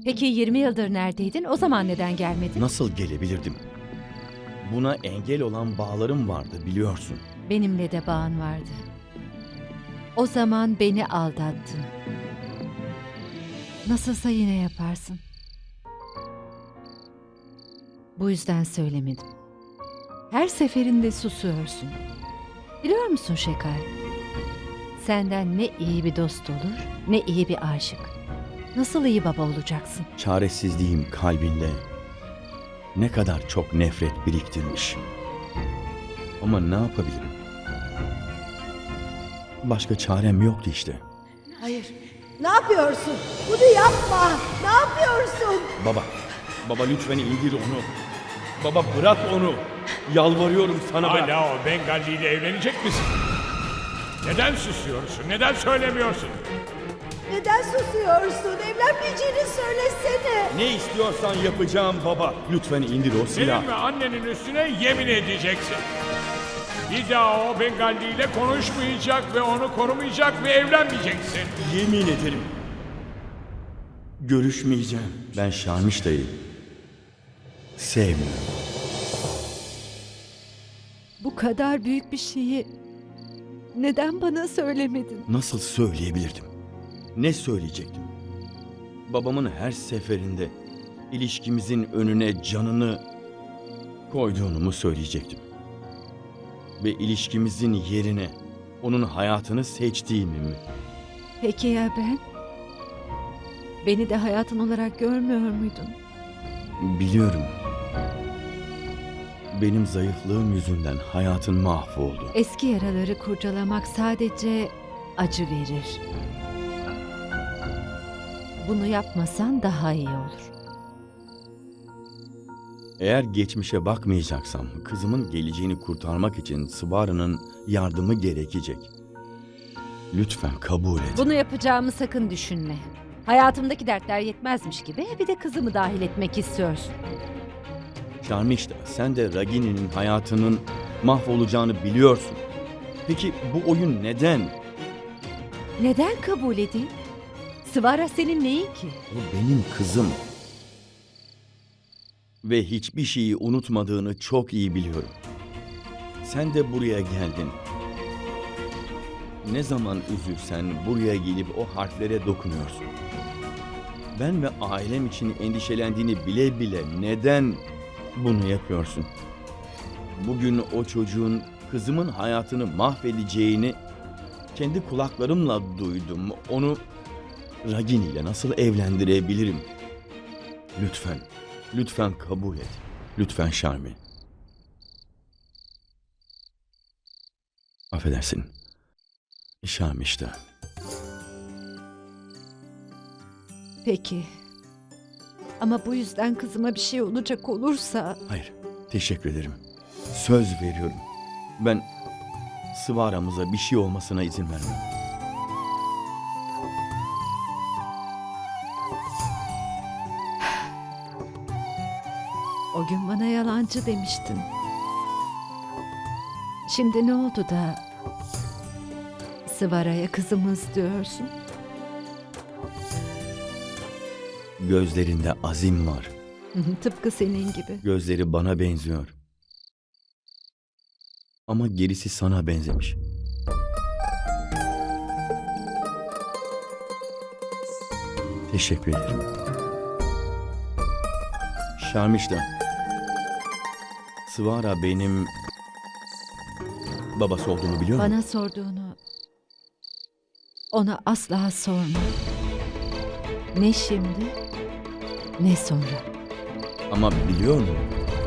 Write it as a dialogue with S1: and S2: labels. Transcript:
S1: Peki 20 yıldır neredeydin? O zaman neden gelmedin?
S2: Nasıl gelebilirdim? Buna engel olan bağlarım vardı biliyorsun.
S1: Benimle de bağın vardı. O zaman beni aldattın. Nasılsa yine yaparsın. Bu yüzden söylemedim. Her seferinde susuyorsun. Biliyor musun Şekar? Senden ne iyi bir dost olur, ne iyi bir aşık. Nasıl iyi baba olacaksın?
S2: Çaresizliğim kalbinde ne kadar çok nefret biriktirmiş. Ama ne yapabilirim? Başka çarem yoktu işte.
S3: Hayır. Ne yapıyorsun? Bunu yapma. Ne yapıyorsun?
S2: Baba lütfen indir onu. Baba bırak onu. Yalvarıyorum sana bırak.
S4: Hala o Bengali ile evlenecek misin? Neden susuyorsun? Neden söylemiyorsun?
S3: Neden susuyorsun? Evlenmeyeceğini söylesene.
S2: Ne istiyorsan yapacağım baba. Lütfen indir o silahı.
S4: Senin ve annenin üstüne yemin edeceksin. Bir daha o Bengali ile konuşmayacak ve onu korumayacak ve evlenmeyeceksin.
S2: Yemin ederim. Görüşmeyeceğim. Ben Şarmişta'yı sevmiyorum.
S1: Bu kadar büyük bir şeyi neden bana söylemedin?
S2: Nasıl söyleyebilirdim? Ne söyleyecektim? Babamın her seferinde ilişkimizin önüne canını koyduğunu mu söyleyecektim? Ve ilişkimizin yerine onun hayatını seçtiğimi mi?
S1: Peki ya ben? Beni de hayatın olarak görmüyor muydun?
S2: Biliyorum. Benim zayıflığım yüzünden hayatın mahvoldu.
S1: Eski yaraları kurcalamak sadece acı verir. Bunu yapmasan daha iyi olur.
S2: Eğer geçmişe bakmayacaksam kızımın geleceğini kurtarmak için Svara'nın yardımı gerekecek. Lütfen kabul et.
S1: Bunu yapacağımı sakın düşünme. Hayatımdaki dertler yetmezmiş gibi bir de kızımı dahil etmek istiyorsun.
S2: Şarmişta, sen de Ragini'nin hayatının mahvolacağını biliyorsun. Peki bu oyun neden?
S1: Neden kabul edeyim? Svara senin neyin ki?
S2: O benim kızım. Ve hiçbir şeyi unutmadığını çok iyi biliyorum. Sen de buraya geldin. Ne zaman üzülsen buraya gelip o harflere dokunuyorsun. Ben ve ailem için endişelendiğini bile bile neden bunu yapıyorsun? Bugün o çocuğun kızımın hayatını mahvedeceğini kendi kulaklarımla duydum. Onu Ragini ile nasıl evlendirebilirim? Lütfen, lütfen kabul et. Lütfen Şarmi. Affedersin. Şarmi işte.
S1: Peki. Ama bu yüzden kızıma bir şey olacak olursa...
S2: Hayır, teşekkür ederim. Söz veriyorum. Ben Svara'mıza bir şey olmasına izin vermem.
S1: O gün bana yalancı demiştin. Şimdi ne oldu da Svara'ya kızımız diyorsun?
S2: Gözlerinde azim var.
S1: Tıpkı senin gibi.
S2: Gözleri bana benziyor. Ama gerisi sana benzemiş. Teşekkür ederim. Şarmişta. Svara benim babası olduğumu biliyor musun?
S1: Bana sorduğunu ona asla sorma. Ne şimdi ne sonra.
S2: Ama biliyor musun?